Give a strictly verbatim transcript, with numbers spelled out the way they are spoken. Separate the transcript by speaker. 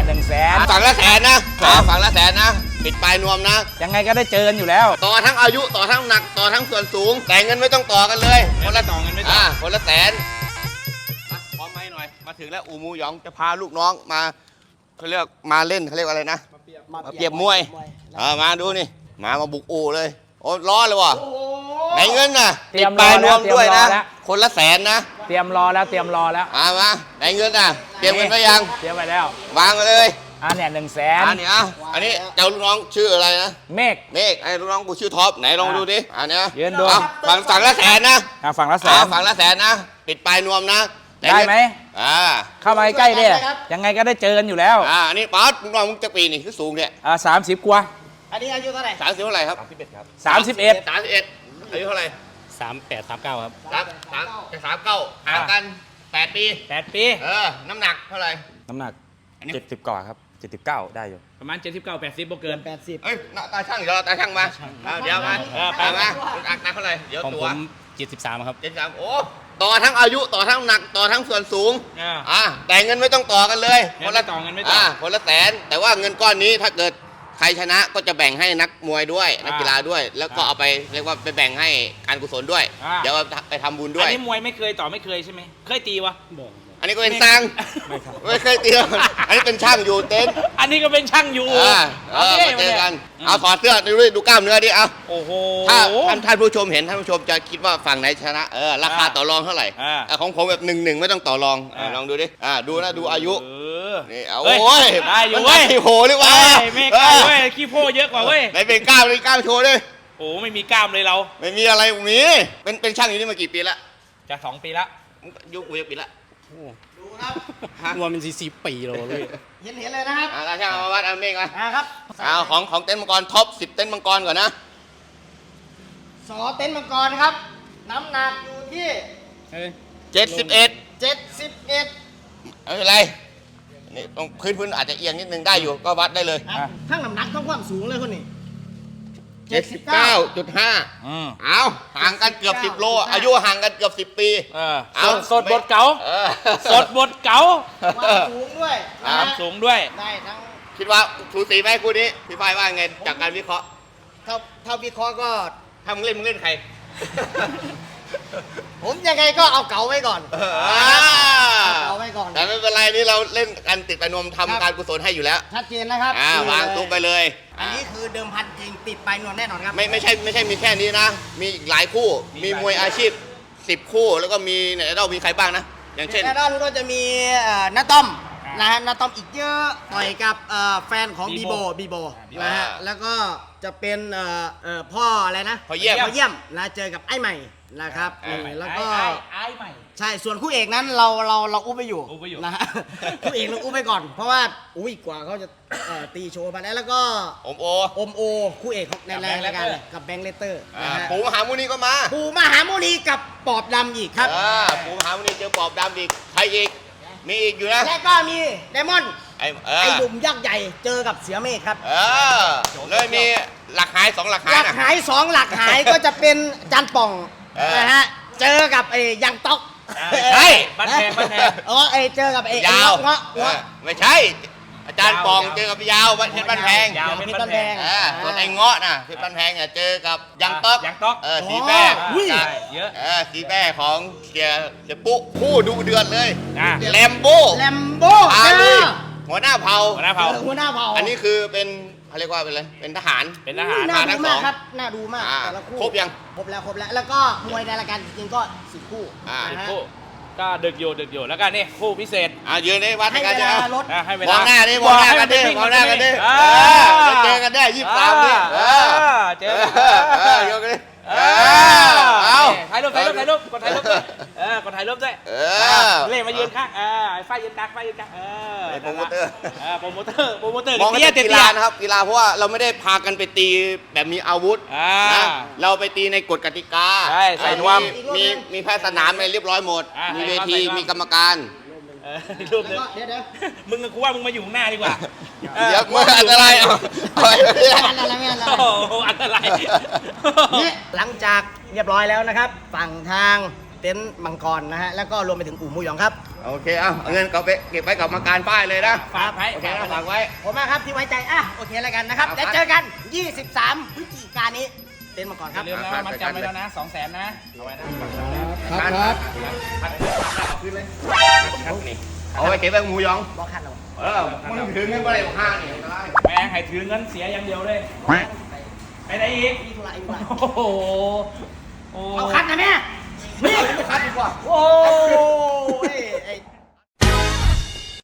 Speaker 1: หนึ่งแสน
Speaker 2: ฝั่งละแสนนะฝั่งละแสนนะปิดปลายนวมนะ
Speaker 1: ยังไงก็ได้เจอกันอยู่แล้ว
Speaker 2: ต่อทั้งอายุต่อทั้งหนักต่อทั้งส่วนสูงแต่เงินไม่ต้องต่อกันเลย
Speaker 1: คนละต่อเงินไม่ต่อ
Speaker 2: คนละแสนพร้อมไหมหน่อยมาถึงแล้วอูมูหยองจะพาลูกน้องมาเขาเรียกมาเล่นเขาเรียกอะไรนะมาเปรียบมวยเออมาดูนี่มามาบุกอูเลยโอ้ร้อนเลยว่ะไหนเงินน่ะปิดปลายนวมด้วยนะคนละแสนนะ
Speaker 1: เตรียมรอแล้วเตรียมรอแล้ว
Speaker 2: มามาไหนเงินน่ะเตรียมเงินไว้ยัง
Speaker 1: เตรียมไว้แล้ว
Speaker 2: วางเลย
Speaker 1: อันเนี้ยหนึ่งแสน
Speaker 2: อันนี้อ่ะอันนี้เจ้าลูกน้องชื่ออะไรนะ
Speaker 1: เมฆ
Speaker 2: เมฆไอ้ลูกน้องกูชื่อท็อปไหนลองดูดิอันนี้
Speaker 1: ยืนดู
Speaker 2: ฝั่งฝั่งละแสนนะ
Speaker 1: ฝั่งละแสน
Speaker 2: ฝั่งละแสนนะปิดปลายนวมนะ
Speaker 1: ได้ไหมอ่าเข้ามาใกล้ดิยังไงก็ได้เจอกันอยู่แล้ว
Speaker 2: อ่าอันนี้ป๊อดลูกน้องมึงจะปีนี่คือสูงเนี่ย
Speaker 1: อ่าสามสิบกว่า
Speaker 3: อันนี้อายุเท่าไหร่
Speaker 2: สามสิบเท่าไหร่ครับ
Speaker 3: สามสิบเอ็ดครับ
Speaker 1: สามสิบเอ็ด
Speaker 2: สามสิบเอ็ดอายุเท่าไหร่
Speaker 3: สามแปดสามเก้าครับ
Speaker 2: สามสามจะสามเก้าห่างกันแปดปี
Speaker 1: แปดปี
Speaker 2: เออน้ำหนักเท่าไหร่
Speaker 1: น้ำหนักเจ็ดสิบกว่าครับเจ็ดสิบเก้าได้อยู่ประมาณเจ็ดสิบเก้าแปดสิบบ่เกิน
Speaker 3: แปดสิบ
Speaker 2: เอ้ยตาช่างเดี๋ยวตาช่างมาเดี๋ยวมาไปมาอักนักเท่าไหร่เดี๋ยวตัว
Speaker 3: เจ็ดสิบสามครับ
Speaker 2: เจ็ดสิบสามโอ้ต่อทั้งอายุต่อทั้งหนักต่อทั้งส่วนสูงอ่าแต่เงินไม่ต้องต่อกันเลย
Speaker 1: คนละต่อเงินไม่ต่อ
Speaker 2: คนละแสนแต่ว่าเงินก้อนนี้ถ้าเกิดใครชนะก็จะแบ่งให้นักมวยด้วยนักกีฬาด้วยแล้วก็เอาไปเรียกว่าไปแบ่งให้การกุศลด้วยเดี๋ยวไปทำบุญด้วย
Speaker 1: อันนี้มวยไม่เคยต่อไม่เคยใช่ไหมเคยตีวะ
Speaker 2: อันนี้ก็เป็นช่างไม่เคยตีอันนี้เป็นช่างอยู่เต็นท์
Speaker 1: อันนี้ก็เป็นช่างอยู่
Speaker 2: เออมาเจอกันเอาถอดเสื้อดูดิดูกล้ามเนื้อดิเอา
Speaker 1: โอ้โห
Speaker 2: ถ้าท่านท่านผู้ชมเห็นท่านผู้ชมจะคิดว่าฝั่งไหนชนะเออราคาต่อรองเท่าไหร่ของผมแบบหนึ่งหนึ่งไม่ต้องต่อรองลองดูดิอ่าดูนะดูอายุนี่เอาโอ้ย
Speaker 1: ได้อยู่เว้ย
Speaker 2: โหหรือว่า
Speaker 1: ไม่กล้าเว้ยขี้โพเยอะกว่าเว้ย
Speaker 2: ไหนเป็นกล้ามเลยกล้ามโชว์ดิ
Speaker 1: โอ้ไม่มีกล้ามเลยเรา
Speaker 2: ไม่มีอะไรมีเป็นเป็นช่างอยู่นี่มากี่ปีละ
Speaker 1: จะสองปีละ
Speaker 2: ยุคกูยังปีละ
Speaker 3: ดูครับ
Speaker 1: รวมเป็นสี่สิบปีเลย
Speaker 3: เห็นเห็นเลยนะครับ
Speaker 2: อ่าช่างมาวัดเอาเมฆมา
Speaker 3: ครับ
Speaker 2: เอาของของเต็นท์มังกรท็อปสิบเต็นท์มังกรก่อนนะ
Speaker 3: สอเต็นท์มังกรครับน้ำหนักอยู่ที่
Speaker 2: เจ็ดสิบเอ็ด
Speaker 3: เจ็ดสิบเอ็ด
Speaker 2: ไม่เป็นไรนี่ตรงพื้นพื้นอาจจะเอียงนิดนึงได้อยู่ก็วัดได้เลย
Speaker 3: ทั้งน้ำหนักทั้งความสูงเลยคนนี้
Speaker 2: เจ็ดสิบเก้าจุดห้าเอาห่างกันเกือบสิบโลอายุห่างกันเกือบสิบปี
Speaker 1: เอาสดบทเก๋าสดบทเก๋า
Speaker 3: ความสูงด้วย
Speaker 1: ความสูงด้วย
Speaker 3: ได้ทั้ง
Speaker 2: คิดว่าสูสีไหมคู่นี้พี่ฝ้ายว่าไงจากการวิเคราะห์
Speaker 3: ถ้าถ้าวิเคราะห์ก็
Speaker 2: ทำเล่นมึงเล่นใคร
Speaker 3: ผมยังไงก็เอาเก๋าไว้ก่อนเอาไว้ก่อน
Speaker 2: แต่ไม่เป็นไรนี่เราเล่นกันติดไปนวมทำการกุศลให้อยู่แล้ว
Speaker 3: ชัดเจนนะครับ
Speaker 2: วางตุ้มไปเลย
Speaker 3: อันนี้คือเดิมพันจริงติดไปนวมแน่นอนครับ
Speaker 2: ไม่ไม่ใช่ไม่ใช่มีแค่นี้นะมีหลายคู่มีมวยอาชีพสิบคู่แล้วก็มีในเรามีใครบ้างนะอย่างเช่น
Speaker 3: ในด้านก็จะมีน้าต้อมนะฮะน้าต้อมอีกเยอะต่อยกับแฟนของบีโบบีโบนะฮะแล้วก็จะเป็นพ่ออะไรนะ
Speaker 2: พ่อเยี่ยม
Speaker 3: พ่อเยี่ยมนะเจอกับไอ้ใหม่นะครับแล้วก็
Speaker 1: ไอ้ใหม่
Speaker 3: ใช่ส่วนคู่เอกนั้นเราเราเราอุ้มไปอยู่นะฮะคู่เอกเราอุ้มไปก่อนเพราะว่าอุ้ยกว่าเขาจะตีโชว์มาแล้วแล้วก็
Speaker 2: อมโอ
Speaker 3: อมโอคู่เอกในรายการกับแบงค์เลเตอร์
Speaker 2: ปูมหามุนีก็มา
Speaker 3: ปูมหามุนีกับปอบดำอีกครับ
Speaker 2: ปูมหามุนีเจอปอบดำอีกใครอีกมีอีกอยู่นะ
Speaker 3: แล้วก็มีไดมอนด์ไอ้ไอ้ดุ่มยักษ์ใหญ่เจอกับเสือเมฆครับ
Speaker 2: เออเลยมีหลักหายสองหลักหาย
Speaker 3: หลักหายสองหลักหายก็จะเป็นจันป่องนะฮะเจอกับไอ้ยังต๊อก
Speaker 2: ใช่
Speaker 1: บ้านแพงบ้านแพง
Speaker 3: อ๋อไอ้เจอกับไอ้
Speaker 2: ยาว
Speaker 3: เงาะ
Speaker 2: ไม่ใช่อาจารย์ปองเจอกับยาวเพชรบ้านแพง
Speaker 1: ยาวเพชรบ้านแพง
Speaker 2: ส่วนไอ้เงาะน่ะเพชรบ้านแพงเนี่ยเจอกับยังต๊อก
Speaker 1: ยังต๊อก
Speaker 2: เออสีแม่
Speaker 1: เยอะ
Speaker 2: เออสีแม่ของเสียเสียปุ๊คู่ดูเดือดเลยแลมโบ
Speaker 3: แลมโบ้
Speaker 2: หัวหน้าเผ่า
Speaker 1: หัวหน้าเผ่า
Speaker 3: หัวหน้าเผ่า
Speaker 2: อันนี้คือเป็นเขาเรียกว่าเป็นอะไรเป็นทหาร
Speaker 1: เป็นทหาร
Speaker 3: น่าดูมากครับน่าดูมากแต่ละคู่
Speaker 2: ครบยัง
Speaker 3: ครบแล้วครบแล้วแล้วก็มวยในรายการจริงๆก็สิบคู่
Speaker 1: สิบคู่ก็ดึกอยู่ดึกอยู่แล้วกันนี่คู่พิเศษ
Speaker 2: อ่ะยืนในวัด
Speaker 3: ให้
Speaker 2: กัน
Speaker 3: จะ
Speaker 1: ให้เวลามอง
Speaker 2: หน้าดิมองหน้ากันดิมองหน้ากันดิเจอกันได้ยี่สิบสามดิ
Speaker 1: เจอ
Speaker 2: เจอกันดิ
Speaker 1: เอาถ่ายรูปถ่ายรูปถ่ายรูปกดถ่ายรูปด้วยเออกดถ่ายรูปด้วยเล่มายืนข้างเออไฟยืนกลางไฟยืนกลางเออ
Speaker 2: โปรโมเตอร์
Speaker 1: โปรโมเตอร์โปรโมเตอร์
Speaker 2: มองเป็นกีฬานะครับกีฬาเพราะว่าเราไม่ได้พากันไปตีแบบมีอาวุธนะเราไปตีในกฎกติกา
Speaker 1: ใช่ใส่นวม
Speaker 2: มีมีแพทย์สนามอะไรเรียบร้อยหมดมีเวทีมีกรรมการ
Speaker 1: รูปเดี๋ยวเดี๋ยวมึงกับกูว่ามึงมาอยู่ข้างหน้าดีกว่า
Speaker 2: เดี๋ยวมึงอันตรายอ่ะ
Speaker 3: อันตรายไม่อันตราย
Speaker 1: โอ้อันตราย
Speaker 3: นี่หลังจากเรียบร้อยแล้วนะครับฝั่งทางเต็นท์มังกรนะฮะแล้วก็รวมไปถึงอู่มูหยองครับ
Speaker 2: โอเคเอาเอาเงินก็ไปเก็บไว้กับกรรมการป้ายเลยนะ
Speaker 1: ฝากไว้
Speaker 2: โอเคนะฝากไว้
Speaker 3: ผมมากครับที่ไว้ใจอ่ะโอเคแล้วกันนะครับ
Speaker 2: ครับ
Speaker 3: แล้วเจอกัน ยี่สิบสาม พฤศจิกายนนี้เต้นมาก่อน
Speaker 1: อ
Speaker 3: ครับ
Speaker 1: ย่าลืมนะว่ามันจำไว้แล้วนะสองแสนนะเอาไว้นะ
Speaker 2: ครับครับเอาขึ้นเลยนี่เอาไว้เก็บไว้หมูหยอง
Speaker 3: บอกคันเรา
Speaker 2: เออมึงถึงเงินไปเลยห้าเนี่ยได้
Speaker 1: แม่งให้ถือเงินเสียอย่างเดียวเลยไปไหนอีก
Speaker 3: อีกธุระอีกธุระ
Speaker 1: โอ้โหโอ้
Speaker 3: เอาคันนะแม่นี่
Speaker 2: คัดดีกว่า
Speaker 1: โอ้